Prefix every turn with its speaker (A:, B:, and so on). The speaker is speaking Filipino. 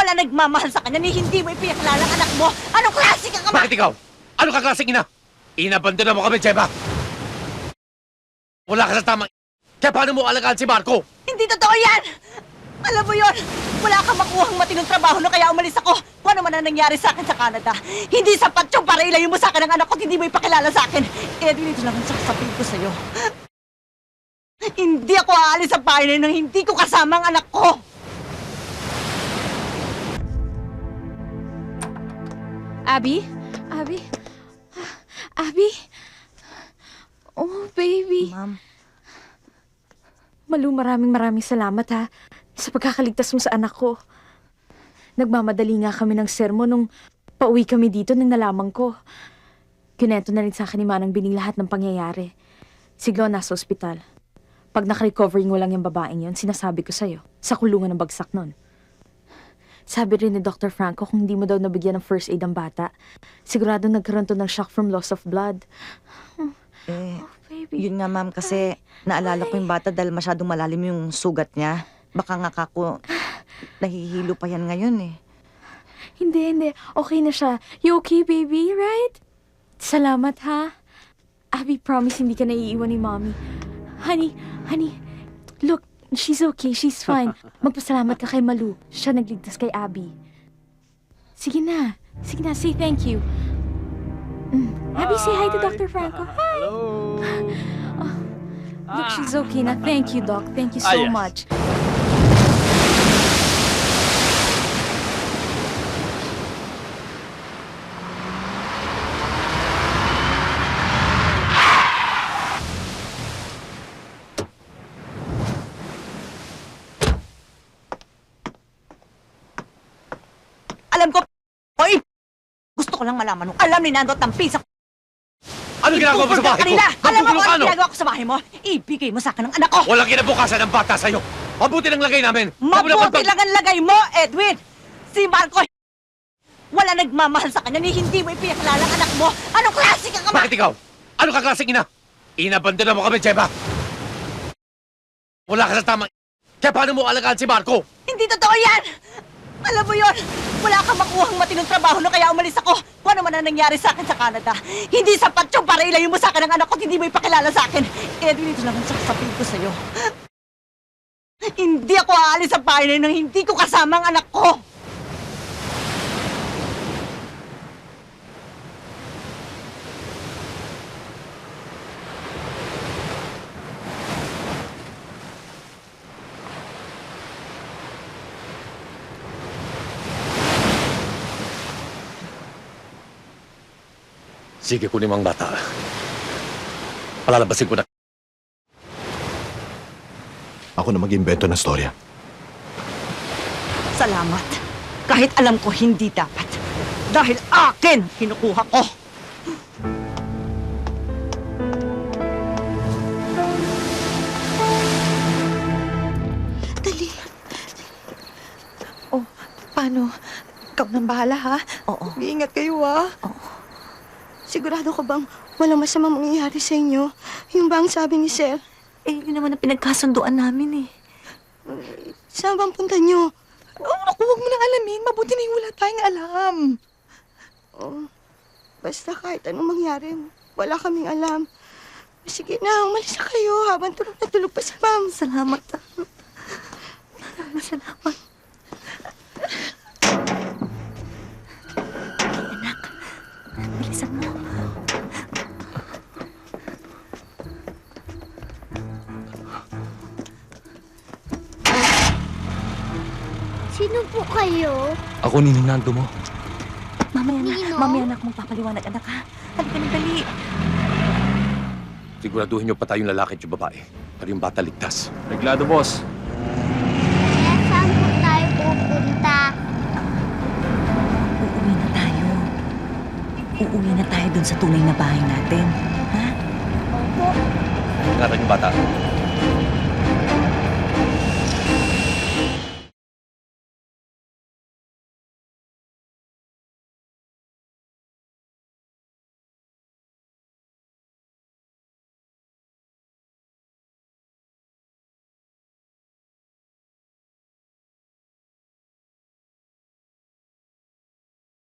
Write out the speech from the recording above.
A: Wala nagmamahal sa kanya ni hindi mo ipinakilala ang anak mo. Anong klase ka ka?
B: Bakit ikaw? Ano ka klaseng ina? Inabandona mo kami, Jeba! Wala ka sa tamang... Kaya paano mo alagaan si Marco?
A: Hindi totoo yan! Alam mo yon, wala kang makuhang matinong trabaho na kaya umalis ako. Kung ano man ang nangyari sa akin sa Canada, hindi sapat yung para ilayo mo sa akin ang anak ko at hindi mo ipakilala sa akin. Edwin, ito lang ang sasabihin ko sa'yo. Hindi ako aalis sa bahay na yun nang hindi ko kasama ang anak ko.
C: Abby? Abby? Abby? Oh, baby.
A: Ma'am.
C: Malu, maraming salamat ha sa pagkakaligtas mo sa anak ko. Nagmamadali nga kami ng sermon nung pauwi kami dito nang nalaman ko. Kinento na rin sa akin ni Manang Bining lahat ng pangyayari. Si Glo nasa ospital. Pag nakarecovering mo lang yung babaeng yon, sinasabi ko sa'yo, sa kulungan ng bagsak nun. Sabi rin ni Dr. Franco kung hindi mo daw nabigyan ng first aid ang bata, sigurado nagkaroon to ng shock from loss of blood. Baby.
D: Yun nga ma'am kasi naalala ko yung bata dahil masyadong malalim yung sugat niya. Baka nga kako nahihilo pa yan ngayon eh.
C: Hindi. Okay na siya. You okay, baby? Right? Salamat, ha? Abby, promise hindi ka naiiwan ni Mommy. Honey, look, she's okay. She's fine. Magpasalamat ka kay Malu. Siya nagligtas kay Abby. Sige na, say thank you. Abby, say hi to Dr. Franco. Hi!
E: Hello!
C: Look, she's okay na. Thank you, Doc. Thank you so
E: Yes.
C: much.
A: Alam ko, oy! Gusto ko lang malaman nung alam ni Nando at ang pisa.
B: Ano ginagawa mo sa bahay ko?
A: Kanila. Alam mo kung ano
B: Ano?
A: ginagawa ko sa bahay mo? Ibigay mo sa akin ang anak ko.
B: Walang kinabukasan ng bata sa'yo! Mabuti ng lagay namin!
A: Mabuti lang ang lagay mo, Edwin! Si Marco, wala nagmamahal sa kanya ni hindi mo ipinakilala ang anak mo. Anong klase ka ka?
B: Bakit ikaw? Ano ka klaseng ina? Inabandona mo kami, Jeba! Wala ka sa tamang... Kaya paano mo alagaan si Marco?
A: Hindi totoo yan! Alam mo yon, wala kang makuhang matinong trabaho na kaya umalis ako. Kung ano man ang nangyari sa akin sa Canada, hindi sapat yung para ilayo mo sa akin ang anak ko at hindi mo ipakilala sa akin. Edwin, ito lang ang sasabihin ko sa'yo. Hindi ako aalis sa bahay na yun nang hindi ko kasama ang anak ko.
B: Sige, kunin mo ang bata. Palalabasin ko na.
F: Ako na mag-imbento ng storya.
A: Salamat. Kahit alam ko hindi dapat. Dahil akin kinukuha ko.
D: Dali. Oh, paano? Ikaw nang bahala ha?
A: Oo.
D: Iingat kayo ha? Sigurado ka bang walang masamang mangyayari sa inyo? Yung ba ang sabi ni Sir?
A: Yun naman ang pinagkasunduan namin eh.
D: Saan bang punta nyo? Oh, naku, huwag mo nang alamin. Mabuti na yung wala tayong alam. Oh, basta kahit anong mangyari, wala kaming alam. Sige na, umalis na kayo habang tulog na tulog pa si Ma'am.
A: Salamat. Salamat. Anak, bilisan mo.
G: Sino po kayo?
E: Ako ni Nando mo.
G: Nino?
A: Anak, magpapaliwanag, anak, ha? Halika na, dali.
B: Siguraduhin niyo pa tayong lalaki at yung babae. Para yung bata ligtas.
E: Reglado, boss.
G: Kaya saan po tayo pupunta?
A: Uuwi na tayo. Uuwi na tayo dun sa tunay na bahay natin. Ha?
G: Opo.
B: Ingatan yung bata.